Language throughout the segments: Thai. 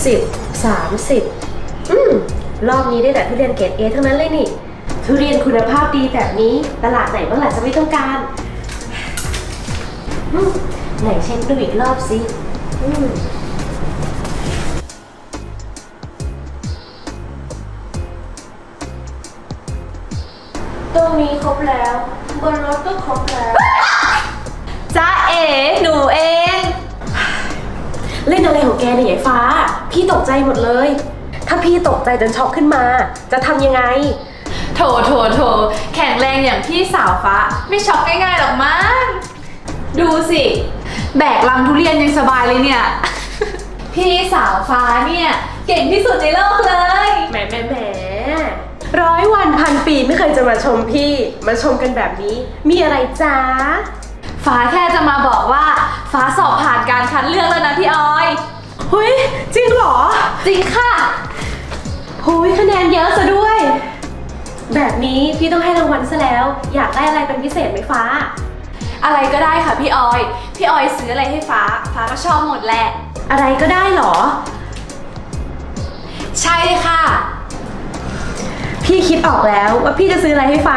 20 30รอบนี้ได้แต่ทุเรียนเกรดเอทั้งนั้นเลยนี่ทุเรียนคุณภาพดีแบบนี้ตลาดไหนบ้างล่ะจะไม่ต้องการไหนเช็คดูอีกรอบสิตรงนี้ครบแล้วบนรถก็ครบแล้วจ้าเอ๋หนูเองเล่นอะไรของแกเนี่ยยายฟ้าพี่ตกใจหมดเลยถ้าพี่ตกใจจนช็อกขึ้นมาจะทำยังไงโถแข็งแรงอย่างพี่สาวฟ้าไม่ช็อกง่ายๆหรอกมั้งดูสิแบกลังทุเรียนยังสบายเลยเนี่ย พี่สาวฟ้าเนี่ยเก่งที่สุดในโลกเลยแหม100 วันพันปีไม่เคยจะมาชมพี่มาชมกันแบบนี้มีอะไรจ้าฟ้าแค่จะมาบอกว่าฟ้าสอบผ่านการคัดเลือกแล้วนะพี่ออยเฮ้ยจริงเหรอจริงค่ะโอ้ยคะแนนเยอะซะด้วยแบบนี้พี่ต้องให้รางวัลซะแล้วอยากได้อะไรเป็นพิเศษไหมฟ้าอะไรก็ได้ค่ะพี่ออยซื้ออะไรให้ฟ้าก็ชอบหมดแหละอะไรก็ได้เหรอใช่ค่ะพี่คิดออกแล้วว่าพี่จะซื้ออะไรให้ฟ้า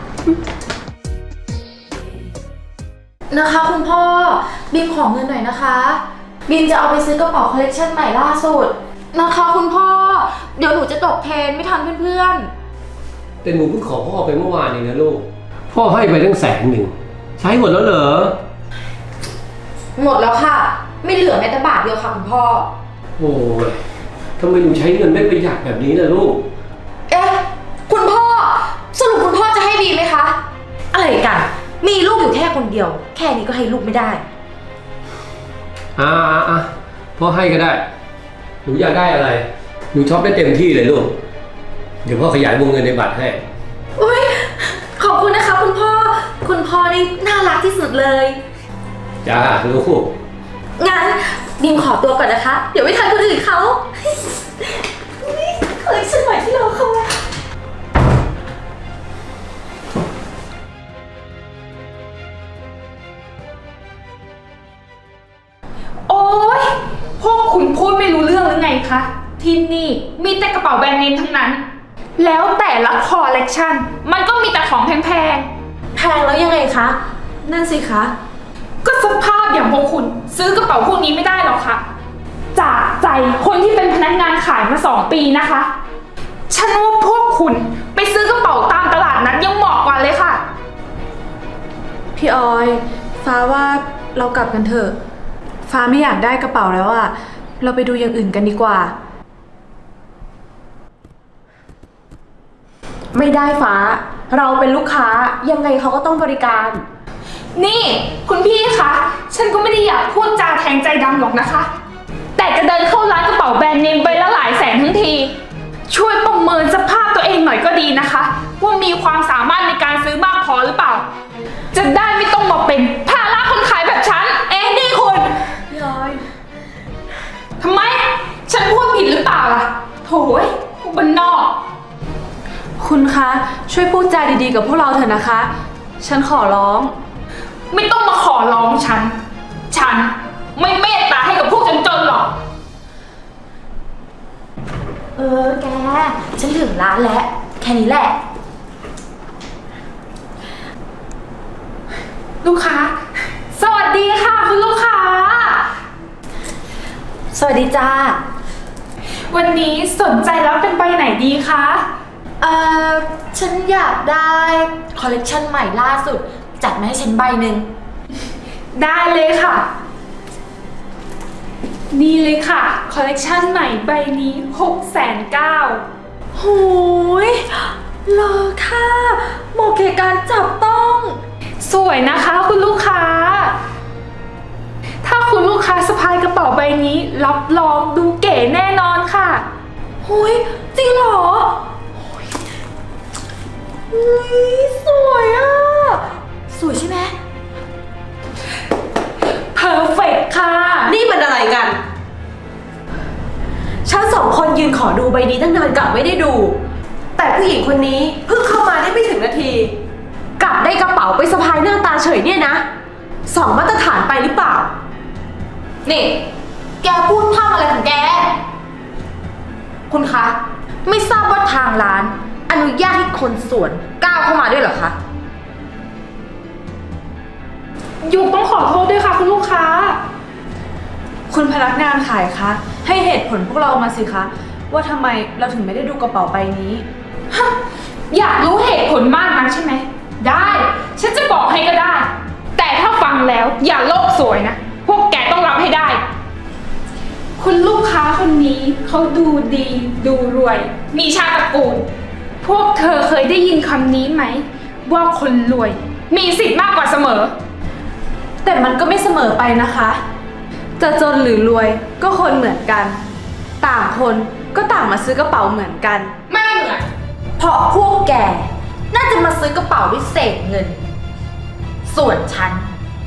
นะคะคุณพ่อบีมขอเงินหน่อยนะคะบีมจะเอาไปซื้อกระเป๋าคอลเลกชันใหม่ล่าสุดนะคะคุณพ่อเดี๋ยวหนูจะตกเทรนไม่ทันเพื่อนๆแต่หนูเพิ่งขอพ่อไปเมื่อวานเองนะลูกพ่อให้ไปตั้ง100,000ใช้หมดแล้วเหรอหมดแล้วค่ะไม่เหลือแม้แต่บาทเดียวค่ะคุณพ่อโอ้ยทำไมหนูใช้เงินไม่ประหยัดแบบนี้ล่ะลูกเอ๊ะคุณพ่อสรุปคุณพ่อจะให้บีมไหมคะอะไรกันมีลูกอยู่แค่คนเดียวแค่นี้ก็ให้ลูกไม่ได้พ่อให้ก็ได้หนูอยากได้อะไรหนูชอบได้เต็มที่เลยลูกเดี๋ยวพ่อขยายวงเงินในบัตรให้อุ๊ยขอบคุณนะคะคุณพ่อนี่น่ารักที่สุดเลยจ้าลูกงั้นบีมขอตัวก่อนนะคะเดี๋ยวไม่ทันคนอื่นเขาคอลเลคชั่นใหม่ที่เราเข้ามาโอ๊ยพวกคุณพูดไม่รู้เรื่องหรือไงคะที่นี่มีแต่กระเป๋าแบรนด์เนมทั้งนั้นแล้วแต่ละคอลเลกชันมันก็มีแต่ของแพงแพงแล้วยังไงคะนั่นสิคะก็สภาพอย่างพวกคุณซื้อกระเป๋าพวกนี้ไม่ได้หรอกค่ะจากใจคนที่เป็นพนักงานขายมา2 ปีนะคะฉันว่าพวกคุณไปซื้อกระเป๋าตามตลาดนัดยังเหมาะกว่าเลยค่ะพี่ออยฟ้าว่าเรากลับกันเถอะฟ้าไม่อยากได้กระเป๋าแล้วอะเราไปดูอย่างอื่นกันดีกว่าไม่ได้ฟ้าเราเป็นลูกค้ายังไงเขาก็ต้องบริการนี่คุณพี่คะฉันก็ไม่ได้อยากพูดจาแทงใจดำหรอกนะคะแต่จะเดินเข้าร้านกระเป๋าแบรนด์เนมไปละหลายแสนทั้งทีช่วยประเมินสภาพตัวเองหน่อยก็ดีนะคะว่ามีความสามารถในการซื้อมากพอหรือเปล่าจะได้ไม่ต้องมาเป็นภาระคนขายแบบฉันนี่คุณพี่ออยทำไมฉันพูดผิดหรือเปล่าล่ะโถ่พวกบ้านนอกคุณคะช่วยพูดจาดีๆกับพวกเราเถอะนะคะฉันขอร้องไม่ต้องมาขอร้องฉันไม่เมตตาให้กับพวกจนๆหรอกแกฉันถึงร้านแล้วแค่นี้แหละลูกค้าสวัสดีค่ะคุณลูกค้าสวัสดีจ้าวันนี้สนใจรับเป็นใบไหนดีคะฉันอยากได้คอลเลกชันใหม่ล่าสุดจัดมาให้ฉันใบหนึ่งได้เลยค่ะนี่เลยค่ะคอลเลกชันใหม่ใบนี้690,000 โหยเลอค่ะเหมาะแก่การจับต้องสวยนะคะคุณลูกค้าถ้าคุณลูกค้าสะพายกระเป๋าใบนี้รับรองดูเก๋แน่นอนค่ะโหยจริงเหรอสวยอ่ะสวยใช่ไหมเพอร์เฟกค่ะนี่มันอะไรกันฉัน2 คนยืนขอดูใบนี้ตั้งนานกลับไม่ได้ดูแต่ผู้หญิงคนนี้เพิ่งเข้ามาได้ไม่ถึงนาทีกลับได้กระเป๋าไปสะพายหน้าตาเฉยเนี่ยนะ2 มาตรฐานไปหรือเปล่านี่แกพูดพร่ำอะไรของแกคุณคะ ไม่ทราบว่าทางร้าน อนุญาตให้คนสวนก้าวเข้ามาด้วยเหรอคะหยกต้องขอโทษด้วยค่ะคุณลูกค้าคุณพนักงานขายคะ ให้เหตุผลพวกเรามาสิคะ ว่าทำไมเราถึงไม่ได้ดูกระเป๋าใบนี้อยากรู้เหตุผลมากนักใช่ไหม ได้ ฉันจะบอกให้ก็ได้ แต่ถ้าฟังแล้วอย่าโลกสวยนะ พวกแกต้องรับให้ได้ คุณลูกค้าคนนี้เขาดูดีดูรวย มีชาติตระกูล พวกเธอเคยได้ยินคำนี้ไหม ว่าคนรวย มีสิทธิ์มากกว่าเสมอแต่มันก็ไม่เสมอไปนะคะ จะจนหรือรวยก็คนเหมือนกัน ต่างคนก็ต่างมาซื้อกระเป๋าเหมือนกันไม่เหมือนเพราะพวกแก น่าจะมาซื้อกระเป๋าด้วยเศษเงิน ส่วนฉัน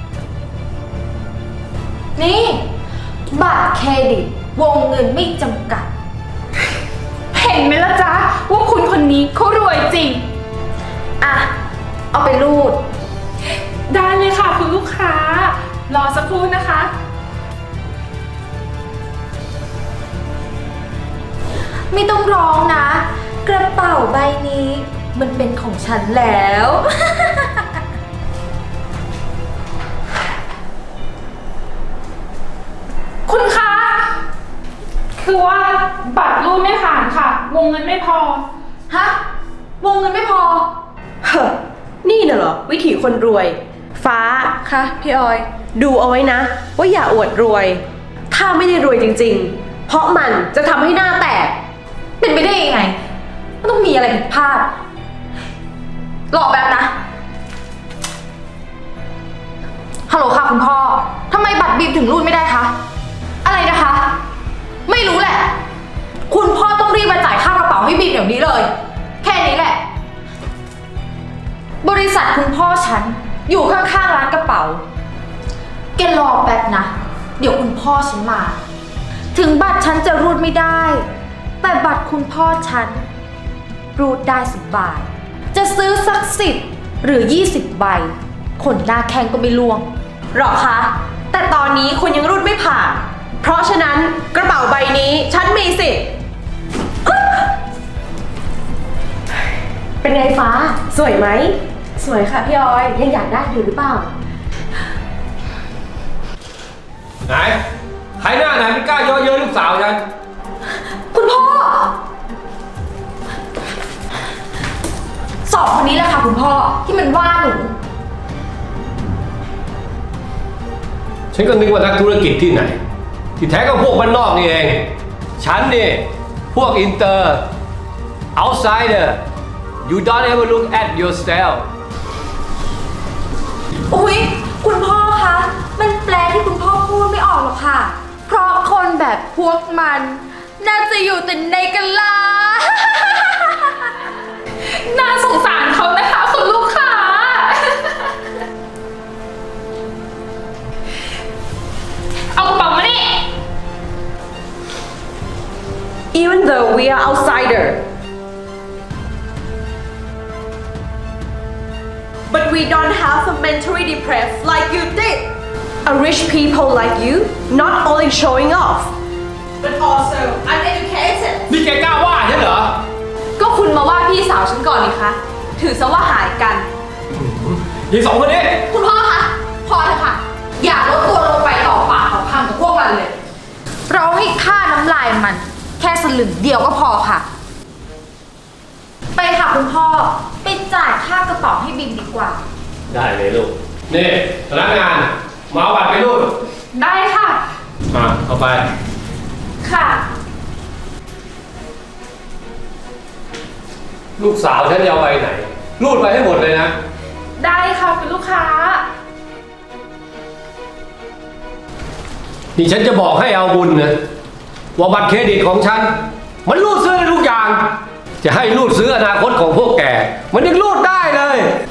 นี่ บัตรเครดิตวงเงินไม่จำกัดเห็นไหมล่ะจ๊ะว่าคุณคนนี้เขารวยจริงอ่ะ เอาไปรูดได้เลยค่ะคุณลูกค้า รอสักครู่นะคะไม่ต้องร้องนะ กระเป๋าใบนี้ มันเป็นของฉันแล้วคุณคะ คือว่าบัตรรูดไม่ผ่านค่ะ วงเงินไม่พอฮะ วงเงินไม่พอเฮ้อนี่น่ะเหรอวิถีคนรวย ฟ้าค่ะพี่ออยดูเอาไว้นะ ว่าอย่าอวดรวย ถ้าไม่ได้รวยจริงๆ เพราะมันจะทำให้หน้าแตกเป็นไปได้ยังไง มันต้องมีอะไรผิดพลาดรอแป๊บนะ ฮัลโหลค่ะคุณพ่อ ทำไมบัตรบีมถึงรูดไม่ได้คะ อะไรนะคะ ไม่รู้แหละ คุณพ่อต้องรีบมาจ่ายค่ากระเป๋าให้บีมเดี๋ยวนี้เลย แค่นี้แหละ บริษัทคุณพ่อฉันอยู่ข้างๆร้านกระเป๋า แกรอแป๊บนะ เดี๋ยวคุณพ่อฉันมา ถึงบัตรฉันจะรูดไม่ได้ แต่บัตรคุณพ่อฉันรูดได้10 บาท จะซื้อสัก10 หรือ 20 ใบ คนหน้าแข้งก็ไม่ล่วงหรอคะ แต่ตอนนี้คุณยังรุ่นไม่ผ่าน เพราะฉะนั้นกระเป๋าใบนี้ฉันมีสิทธิ์อ๊ะเป็นไงฟ้า สวยไหมสวยค่ะพี่ออยยังอยากได้อยู่หรือเปล่าไหน ใครหน้าไหนไม่กล้าเย่อเย้ยลูกสาวฉันคุณพ่อ สองคนนี้แหละค่ะคุณพ่อที่มันว่าหนูฉันก็นึกว่านักธุรกิจที่ไหน ที่แท้ก็พวกบ้านนอกนี่เอง ฉันนี่ พวกอินเตอร์ outsider you don't ever look at yourself อุ๊ย คุณพ่อคะ มันแปลที่คุณพ่อพูดไม่ออกหรอกค่ะ เพราะคนแบบพวกมัน น่าจะอยู่แต่ในกะลาน่าสงสารเขานะคะคุณลูกค้า เอากระเป๋ามานี่ Even though we are outsider but we don't have a mentally depressed like you did a rich people like you not only showing off but also uneducated นี่แกกล้าว่าฉันเหรอก็คุณมาว่าพี่สาวฉันก่อนนี่คะ ถือซะว่าหายกันยีสองคนนี้คุณพ่อคะ พอเถอะค่ะ อย่าลดตัวลงไปต่อปากของพังกับพวกมันเลย เราให้ค่าน้ำลายมัน แค่สลึงเดียวก็พอค่ะ ไปค่ะคุณพ่อ ไปจ่ายค่ากระเป๋าให้บิมดีกว่าได้เลยลูก นี่พนักงานมาเอาบัตรไปรูดได้ค่ะมาเอาไปค่ะลูกสาวฉันจะเอาไปไหน รูดไปให้หมดเลยนะได้ค่ะคุณลูกค้านี่ฉันจะบอกให้เอาบุญนะว่าบัตรเครดิตของฉัน มันรูดซื้อได้ทุกอย่าง จะให้รูดซื้ออนาคตของพวกแก มันยังรูดได้เลย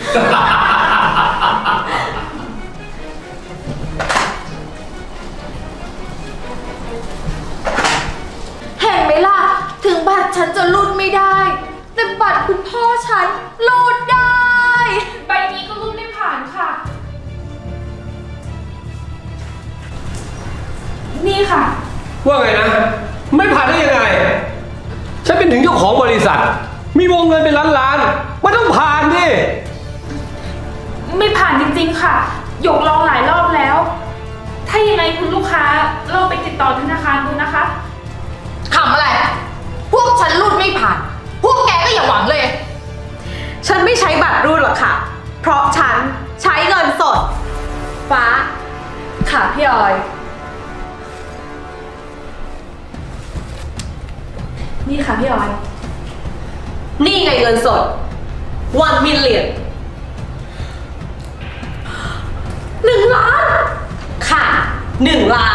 เห็นไหมล่ะ ถึงบัตรฉันจะรูดไม่ได้ แต่บัตรคุณพ่อฉันรูดได้ใบนี้ก็รูดไม่ผ่านค่ะ นี่ค่ะว่าไงนะ ไม่ผ่านได้ยังไงถึงเจ้าของบริษัท มีวงเงินเป็นล้านๆมันต้องผ่านดิไม่ผ่านจริงๆค่ะ หยกลองหลายรอบแล้ว ถ้ายังไงคุณลูกค้าลองไปติดต่อธนาคารดูนะคะขำอะไร พวกฉันรูดไม่ผ่าน พวกแกก็อย่าหวังเลยฉันไม่ใช้บัตรรูดหรอกค่ะ เพราะฉันใช้เงินสด ฟ้าค่ะพี่ออย นี่ค่ะพี่ออยนี่ไงเงินสด 1 million 1 ล้าน ค่ะ 1 ล้าน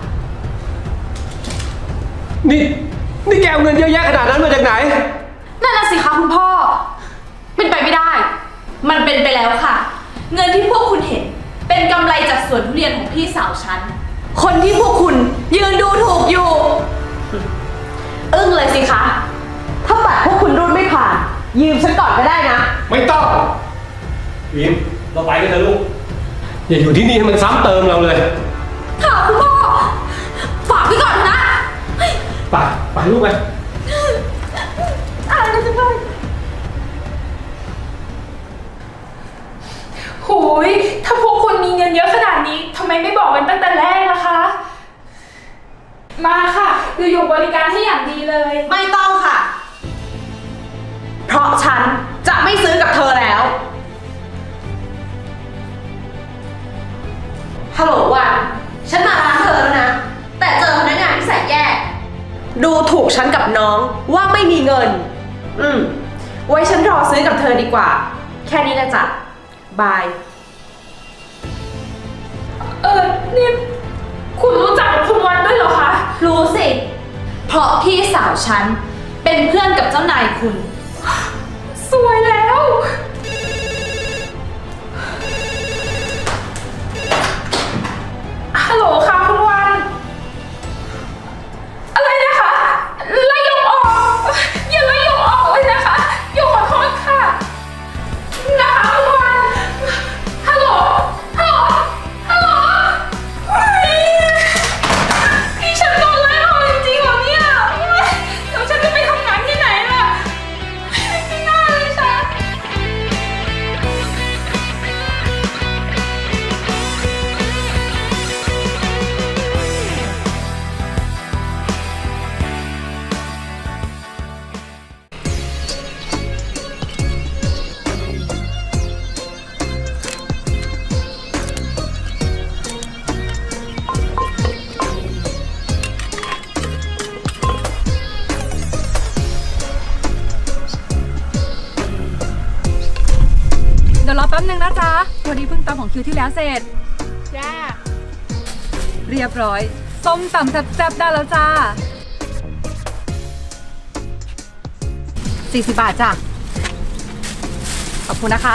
นี่แกเอาเงินเยอะแยะขนาดนั้นมาจากไหนนั่นน่ะสิคะคุณพ่อ เป็นไปไม่ได้ มันเป็นไปแล้วค่ะ เงินที่พวกคุณเห็น เป็นกำไรจากสวนทุเรียนของพี่สาวฉัน คนที่พวกคุณยืนดูถูกอยู่อึ้งเลยสิคะ ถ้าบัตรพวกคุณรูดไม่ผ่าน ยืมฉันก่อนก็ได้นะไม่ต้องวิมเราไปกันเถอะลูก อย่าอยู่ที่นี่ให้มันซ้ำเติมเราเลยค่ะคุณพ่อ ฝากไว้ก่อนนะไปลูกไปอะไรกันจะได้โหย ถ้าพวกคุณมีเงินเยอะขนาดนี้ทำไมไม่บอกกันตั้งแต่แรกล่ะคะ มาค่ะเดี๋ยวหยกบริการให้อย่างดีเลยไม่ต้องค่ะ เพราะฉันจะไม่ซื้อกับเธอแล้ว ฮัลโหลวัน ฉันมาร้านเธอแล้วนะ แต่เจอพนักงานที่แสนแย่ ดูถูกฉันกับน้องว่าไม่มีเงิน ไว้ฉันรอซื้อกับเธอดีกว่า แค่นี้นะจ๊ะ บายนี่คุณรู้จักกับคุณวันด้วยเหรอคะรู้สิ เพราะพี่สาวฉันเป็นเพื่อนกับเจ้านายคุณสวยแล้ว ฮัลโหลค่ะคุณวัน อะไรนะคะไล่หยกออก อย่าไล่หยกออกเลยนะคะหยกขอโทษค่ะ นะคะคุณวัน ฮัลโหล ฮัลโหล ฮัลโหลเฮ้ยนี่ฉันโดนไล่ออกจริงๆเหรอเนี่ยเดี๋ยวฉันจะไปทำงานที่ไหนล่ะ ไม่น่าเลยฉันเดี๋ยวรอแป๊บนึงนะจ๊ะวันนี้เพิ่งตำของคิวที่แล้วเสร็จจ้าเรียบร้อย ส้มตำแซ่บๆได้แล้วจ้า 40 บาทจ้ะ ขอบคุณนะคะ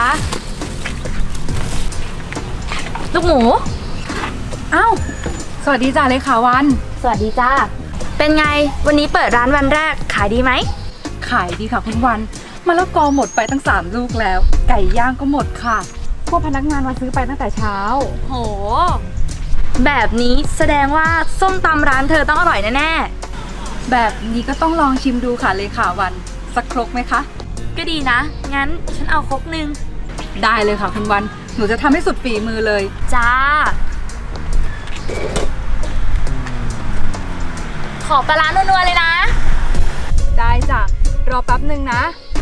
ลูกหมูอ้าว สวัสดีจ้าเลขาวันสวัสดีจ้า เป็นไง วันนี้เปิดร้านวันแรก ขายดีไหมขายดีค่ะคุณวันมะละกอหมดไปตั้ง3 ลูกแล้ว ไก่ย่างก็หมดค่ะ พวกพนักงานมาซื้อไปตั้งแต่เช้าโห แบบนี้แสดงว่าส้มตำร้านเธอต้องอร่อยแน่แบบนี้ก็ต้องลองชิมดูค่ะเลขาวัน สักครกไหมคะๆ ก็ดีนะ งั้นฉันเอาครกนึงได้เลยค่ะคุณวัน หนูจะทำให้สุดฝีมือเลยจ้า ขอปลาร้านัวๆเลยนะได้จ้ะ รอแป๊บหนึ่งนะ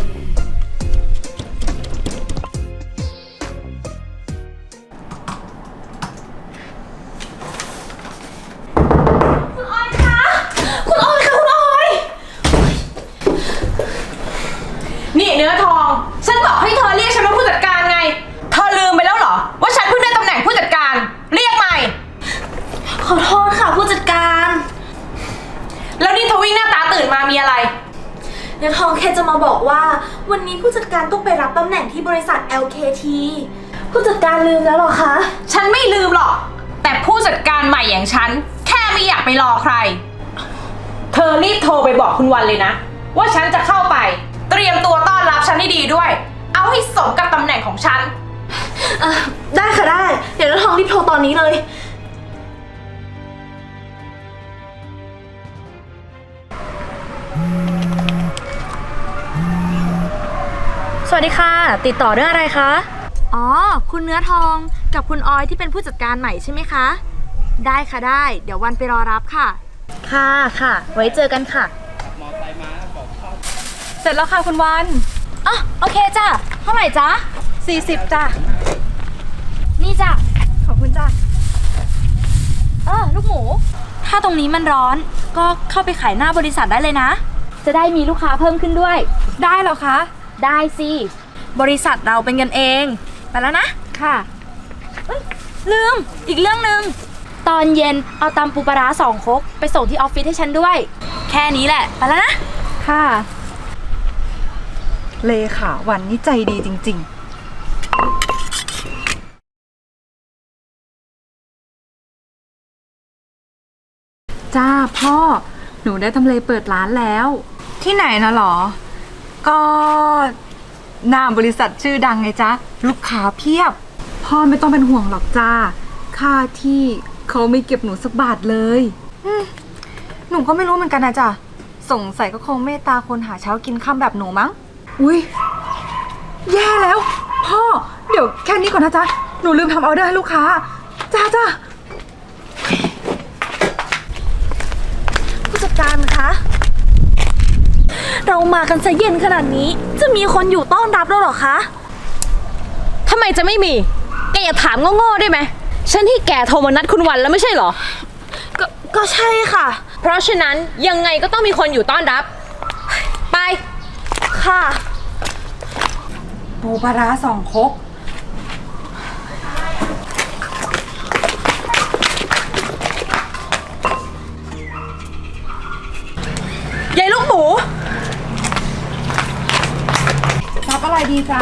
คุณออยคะคุณออยค่ะคุณออย นี่เนื้อทอง ฉันบอกให้เธอเรียกฉันว่าผู้จัดการไง เธอลืมไปแล้วเหรอ ว่าฉันเพิ่งได้ตำแหน่งผู้จัดการ เรียกใหม่ขอโทษค่ะผู้จัดการแล้วนี่ทวิ่งหน้าตาตื่นมามีอะไรเนื้อทองแค่จะมาบอกว่าวันนี้ผู้จัดการต้องไปรับตำแหน่งที่บริษัท LKT ผู้จัดการลืมแล้วเหรอคะฉันไม่ลืมหรอก แต่ผู้จัดการใหม่อย่างฉัน แค่ไม่อยากไปรอใคร เธอรีบโทรไปบอกคุณวันเลยนะ ว่าฉันจะเข้าไป เตรียมตัวต้อนรับฉันให้ดีด้วย เอาให้สมกับตำแหน่งของฉันได้ค่ะได้ เดี๋ยวเนื้อทองรีบโทรตอนนี้เลยสวัสดีค่ะ ติดต่อเรื่องอะไรคะ อ๋อ คุณเนื้อทองกับคุณออยที่เป็นผู้จัดการใหม่ใช่ไหมคะ ได้ค่ะได้ เดี๋ยววันไปรอรับค่ะ ค่ะค่ะ ไว้เจอกันค่ะเสร็จแล้วค่ะคุณวันอ๋อโอเคจ้ะ เท่าไหร่จ๊ะ 40จ้ะนี่จ้ะขอบคุณจ้ะลูกหมู ถ้าตรงนี้มันร้อน ก็เข้าไปขายหน้าบริษัทได้เลยนะ จะได้มีลูกค้าเพิ่มขึ้นด้วยได้เหรอคะได้สิ บริษัทเราเป็นกันเอง ไปแล้วนะค่ะลืม อีกเรื่องหนึ่ง ตอนเย็นเอาตำปูปลาร้า2 ครกไปส่งที่ออฟฟิศให้ฉันด้วย แค่นี้แหละ ไปแล้วนะค่ะ เลขาวันนี้ใจดีจริง ๆ จ้าพ่อ หนูได้ทำเลเปิดร้านแล้ว ที่ไหนนะหรอ ก็หน้าบริษัทชื่อดังไงจ๊ะ ลูกค้าเพียบ พ่อไม่ต้องเป็นห่วงหรอกจ้า ค่าที่เขาไม่เก็บหนูสักบาทเลยหนูก็ไม่รู้เหมือนกันนะจ๊ะ สงสัยก็คงเมตตาคนหาเช้ากินค่ำแบบหนูมั้ง อุ้ยแย่แล้ว พ่อ เดี๋ยวแค่นี้ก่อนนะจ๊ะ หนูลืมทำออเดอร์ให้ลูกค้า จ้าผู้จัดการคะ เรามากันซะเย็นขนาดนี้ จะมีคนอยู่ต้อนรับแล้วเหรอคะทำไมจะไม่มี แกอย่าถามโง่ๆได้ไหม ฉันที่แกโทรมานัดคุณวันแล้วไม่ใช่เหรอก็ใช่ค่ะเพราะฉะนั้นยังไงก็ต้องมีคนอยู่ต้อนรับ ไปค่ะปูปลาร้า2 ครกยายลูกหมูรับอะไรดีจ๊ะ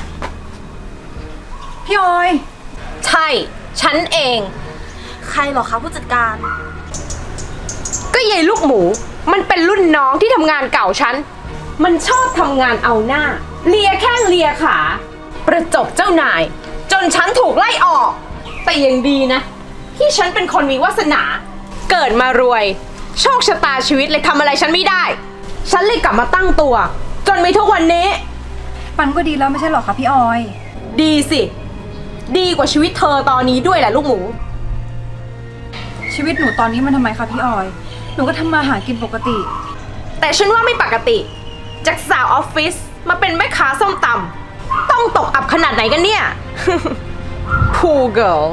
พี่ออยใช่ ฉันเองใครเหรอคะผู้จัดการก็ยายลูกหมู มันเป็นรุ่นน้องที่ทำงานเก่าฉัน มันชอบทำงานเอาหน้า เลียแข้งเลียขา ประจบเจ้านาย จนฉันถูกไล่ออก แต่ยังดีนะ ที่ฉันเป็นคนมีวาสนา เกิดมารวย โชคชะตาชีวิตเลยทำอะไรฉันไม่ได้ ฉันเลยกลับมาตั้งตัว จนมีทุกวันนี้มันก็ดีแล้วไม่ใช่หรอคะพี่ออยดีสิ ดีกว่าชีวิตเธอตอนนี้ด้วยแหละลูกหมูชีวิตหนูตอนนี้มันทำไมคะพี่ออย หนูก็ทำมาหากินปกติแต่ฉันว่าไม่ปกติ จากสาวออฟฟิศมาเป็นแม่ค้าส้มตำต้องตกอับขนาดไหนกันเนี่ย Poor girl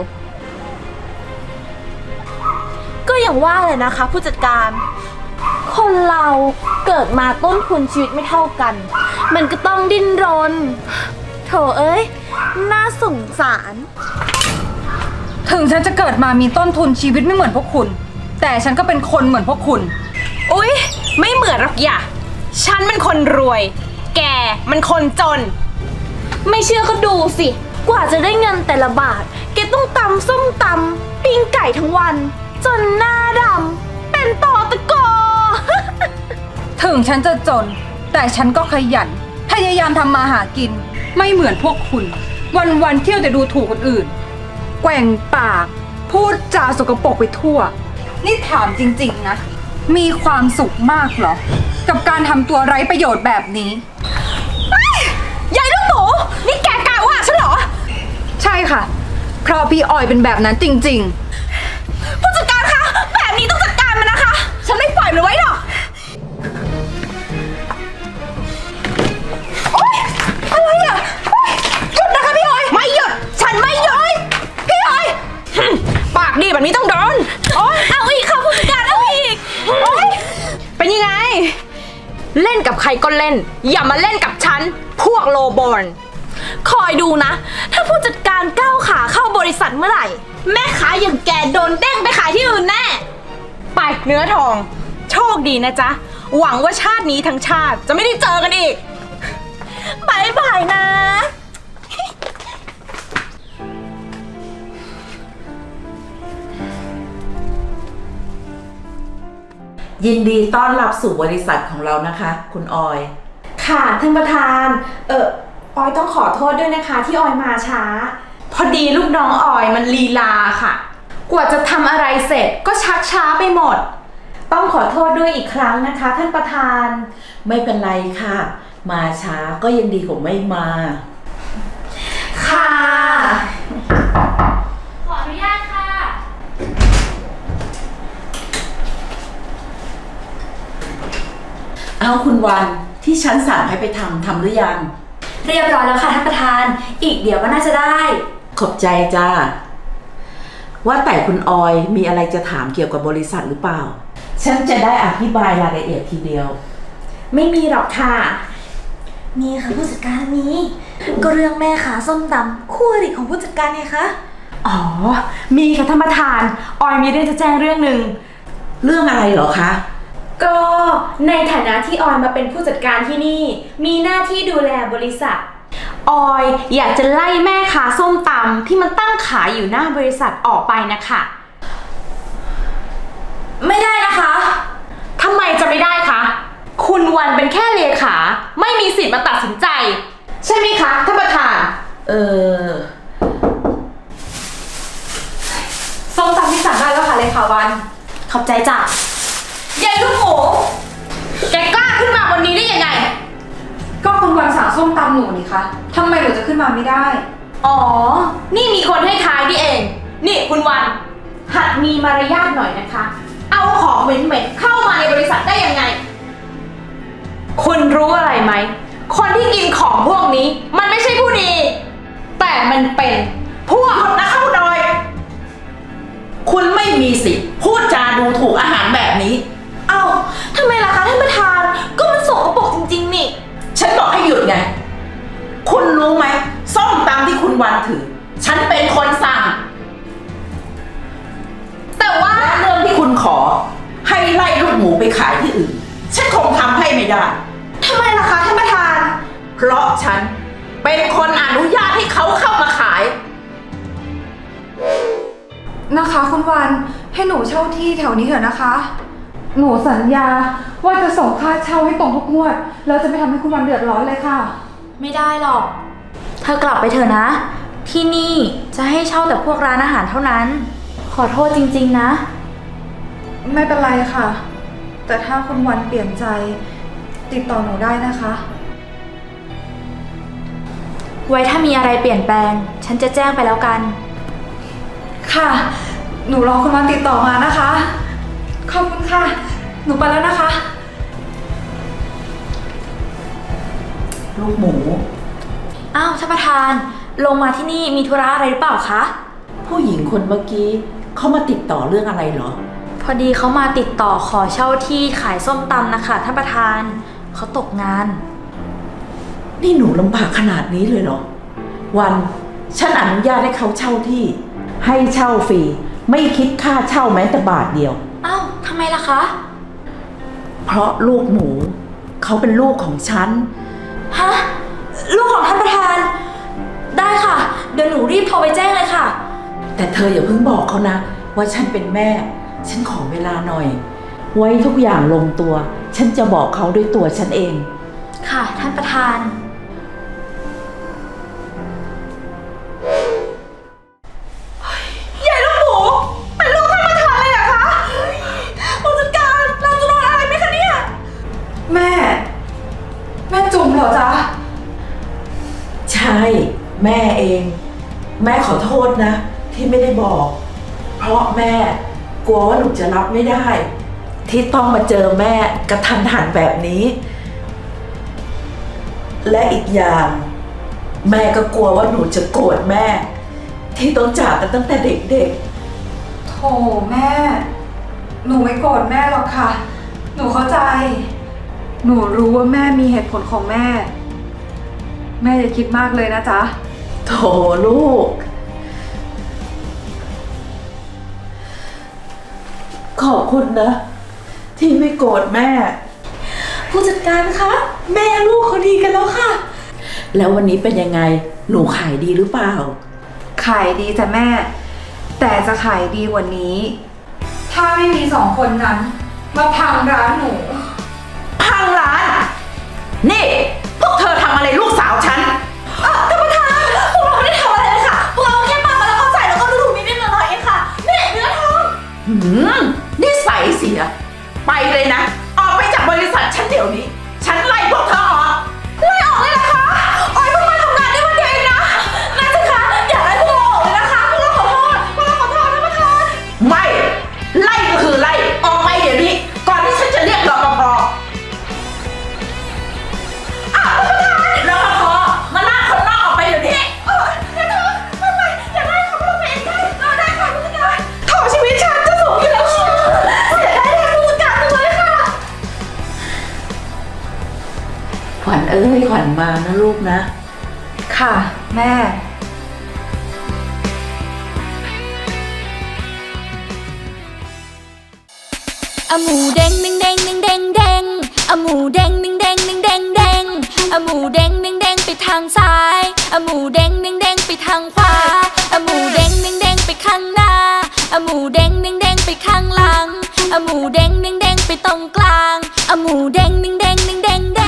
ก็อย่างว่าเลยนะคะผู้จัดการ คนเราเกิดมาต้นทุนชีวิตไม่เท่ากัน มันก็ต้องดิ้นรน โถเอ้ย น่าสงสารถึงฉันจะเกิดมามีต้นทุนชีวิตไม่เหมือนพวกคุณ แต่ฉันก็เป็นคนเหมือนพวกคุณอุ๊ย ไม่เหมือนหรอกอย่าฉันมันคนรวย แกมันคนจนไม่เชื่อก็ดูสิ กว่าจะได้เงินแต่ละบาท แกต้องตำส้มตำปิ้งไก่ทั้งวัน จนหน้าดำเป็นตอตะกอถึงฉันจะจน แต่ฉันก็ขยัน พยายามทำมาหากิน ไม่เหมือนพวกคุณ วันๆเที่ยวแต่ดูถูกคนอื่น แกว่งปาก พูดจาสกปรกไปทั่ว นี่ถามจริงๆนะ มีความสุขมากเหรอ กับการทำตัวไร้ประโยชน์แบบนี้ยายลูกหมู นี่แกกล่าวว่าฉันเหรอใช่ค่ะ เพราะพี่ออยเป็นแบบนั้นจริงผู้จัดการคะ แบบนี้ต้องจัดการมันนะคะ ฉันไม่ปล่อยมันไว้หรอกโอ๊ยอะไรอ่ะโอ๊ยหยุดนะคะพี่ออย ไม่หยุด ฉันไม่หยุด พี่ออยหึ่มปากดีแบบนี้ต้องโดนโอ๊ยเอาอีกค่ะผู้จัดการเอาอีกโอ๊ยเป็นยังไง เล่นกับใครก็เล่น อย่ามาเล่นกับฉัน พวกโลบอลคอยดูนะ ถ้าผู้จัดการก้าวขาเข้าบริษัทเมื่อไหร่ แม่ค้าอย่างแกโดนเด้งไปขายที่อื่นแน่ไปเนื้อทอง โชคดีนะจ๊ะ หวังว่าชาตินี้ทั้งชาติจะไม่ได้เจอกันอีกบายบายนะยินดีต้อนรับสู่บริษัทของเรานะคะ คุณออยค่ะท่านประธาน ออยต้องขอโทษด้วยนะคะที่ออยมาช้าพอดีลูกน้องออยมันลีลาค่ะ กว่าจะทำอะไรเสร็จก็ชักช้าไปหมดต้องขอโทษด้วยอีกครั้งนะคะท่านประธานไม่เป็นไรค่ะมาช้าก็ยังดีกว่าไม่มาค่ะขออนุญาตค่ะเอาคุณวันที่ฉันสั่งให้ไปทำหรือยังเรียบร้อยแล้วค่ะท่านประธาน อีกเดี๋ยวก็น่าจะได้ขอบใจจ้า ว่าแต่คุณออยมีอะไรจะถามเกี่ยวกับบริษัทหรือเปล่า ฉันจะได้อธิบายรายละเอียดทีเดียวไม่มีหรอกค่ะ มีค่ะผู้จัดการนี้ ก็เรื่องแม่ขาส้มตำคู่อริของผู้จัดการไงคะอ๋อ มีค่ะท่านประธาน ออยมีเรื่องจะแจ้งเรื่องหนึ่งเรื่องอะไรเหรอคะก็ในฐานะที่ออยมาเป็นผู้จัดการที่นี่ มีหน้าที่ดูแลบริษัท ออยอยากจะไล่แม่ค้าส้มตำที่มันตั้งขายอยู่หน้าบริษัทออกไปนะคะไม่ได้นะคะทำไมจะไม่ได้คะ คุณวันเป็นแค่เลขา ไม่มีสิทธิ์มาตัดสินใจ ใช่ไหมคะท่านประธานส้มตำที่สั่งได้แล้วค่ะเลยค่ะวันขอบใจจ้ะยายลูกหมูแกกล้าขึ้นมาวันนี้ได้ยังไงก็คุณวันสั่งส้มตำหนูนี่คะทำไมหนูจะขึ้นมาไม่ได้อ๋อ นี่มีคนให้ท้ายนี่เอง นี่คุณวัน หัดมีมารยาทหน่อยนะคะ เอาของเหม็นๆเข้ามาในบริษัทได้ยังไง คุณรู้อะไรไหม คนที่กินของพวกนี้ มันไม่ใช่ผู้ดี แต่มันเป็นพวกหยุดนะเข้าดอย คุณไม่มีสิทธิ์พูดจาดูถูกอาหารแบบนี้เอ้าทำไมล่ะคะท่านประธาน ก็มันสกปรกจริงๆนี่ฉันบอกให้หยุดไง คุณรู้ไหมส้มตำที่คุณวันถือ ฉันเป็นคนสั่งแต่ว่าและเรื่องที่คุณขอ ให้ไล่ลูกหมูไปขายที่อื่น ฉันคงทำให้ไม่ได้ทำไมล่ะคะท่านประธานเพราะฉันเป็นคนอนุญาตให้เขาเข้ามาขายนะคะคุณวันให้หนูเช่าที่แถวนี้เถอะนะคะ หนูสัญญาว่าจะส่งค่าเช่าให้ตรงทุกงวดแล้วจะไม่ทำให้คุณวันเดือดร้อนเลยค่ะไม่ได้หรอก เธอกลับไปเถอะนะ ที่นี่จะให้เช่าแต่พวกร้านอาหารเท่านั้น ขอโทษจริงๆนะไม่เป็นไรค่ะ แต่ถ้าคุณวันเปลี่ยนใจติดต่อหนูได้นะคะไว้ถ้ามีอะไรเปลี่ยนแปลง ฉันจะแจ้งไปแล้วกันค่ะ หนูรอคุณวันติดต่อมานะคะ ขอบคุณค่ะ หนูไปแล้วนะคะลูกหมูอ้าวท่านประธาน ลงมาที่นี่มีธุระอะไรหรือเปล่าคะผู้หญิงคนเมื่อกี้เขามาติดต่อเรื่องอะไรเหรอพอดีเขามาติดต่อขอเช่าที่ขายส้มตำนะคะท่านประธาน เขาตกงานนี่หนูลำบากขนาดนี้เลยเหรอ วันฉันอนุญาตให้เขาเช่าที่ ให้เช่าฟรีไม่คิดค่าเช่าแม้แต่บาทเดียวอ้าวทำไมล่ะคะเพราะลูกหมูเขาเป็นลูกของฉันฮะ ลูกของท่านประธาน ได้ค่ะ เดี๋ยวหนูรีบโทรไปแจ้งเลยค่ะแต่เธออย่าเพิ่งบอกเขานะ ว่าฉันเป็นแม่ ฉันขอเวลาหน่อย ไว้ทุกอย่างลงตัว ฉันจะบอกเขาด้วยตัวฉันเองค่ะท่านประธานยายลูกหมูเป็นลูกท่านประธานเลยเหรอคะผู้จัดการเราจะโดนอะไรไหมคะเนี่ยแม่จุ๋มเหรอจ๊ะใช่ แม่เอง แม่ขอโทษนะ ที่ไม่ได้บอก เพราะแม่กลัวว่าหนูจะรับไม่ได้ ที่ต้องมาเจอแม่กระทันหันแบบนี้ และอีกอย่าง แม่ก็กลัวว่าหนูจะโกรธแม่ ที่ต้องจากกันตั้งแต่เด็กโถแม่ หนูไม่โกรธแม่หรอกค่ะ หนูเข้าใจ หนูรู้ว่าแม่มีเหตุผลของแม่ แม่อย่าคิดมากเลยนะจ๊ะๆโถลูก ขอบคุณนะ ที่ไม่โกรธแม่ผู้จัดการคะ แม่ลูกเขาดีกันแล้วค่ะแล้ววันนี้เป็นยังไง หนูขายดีหรือเปล่าขายดีจ้ะแม่ แต่จะขายดีกว่านี้ ถ้าไม่มีสองคนนั้น มาพังร้านหนูพังร้าน นี่ พวกเธอทำอะไรลูกสาวฉันท่านประธาน พวกเราไม่ได้ทำอะไรเลยค่ะ พวกเราแค่ปามาแล้วก็ใส่แล้วก็ดูถูกนิดๆหน่อยๆเองค่ะนี่เนื้อทองนิสัยเสีย ไปเลยนะ ออกไปจากบริษัทฉันเดี๋ยวนี้ ฉันไล่พวกเธอออกวัญเอ้ยขวัญมานะลูกนะค่ะ แม่อะหมูเด้งหนึ่งเด้งหนึ่งเด้งเด้งอะหมูเด้งหนึ่งเด้งหนึ่งเด้งเด้งอะหมูเด้งหนึ่งเด้งไปทางซ้ายอะหมูเด้งหนึ่งเด้งไปทางขวาอะหมูเด้งหนึ่งเด้งไปข้างหน้าอะหมูเด้งหนึ่งเด้งไปข้างหลังอะหมูเด้งหนึ่งเด้งไปตรงกลางอะหมูเด้งหนึ่งเด้งหนึ่งเด้ง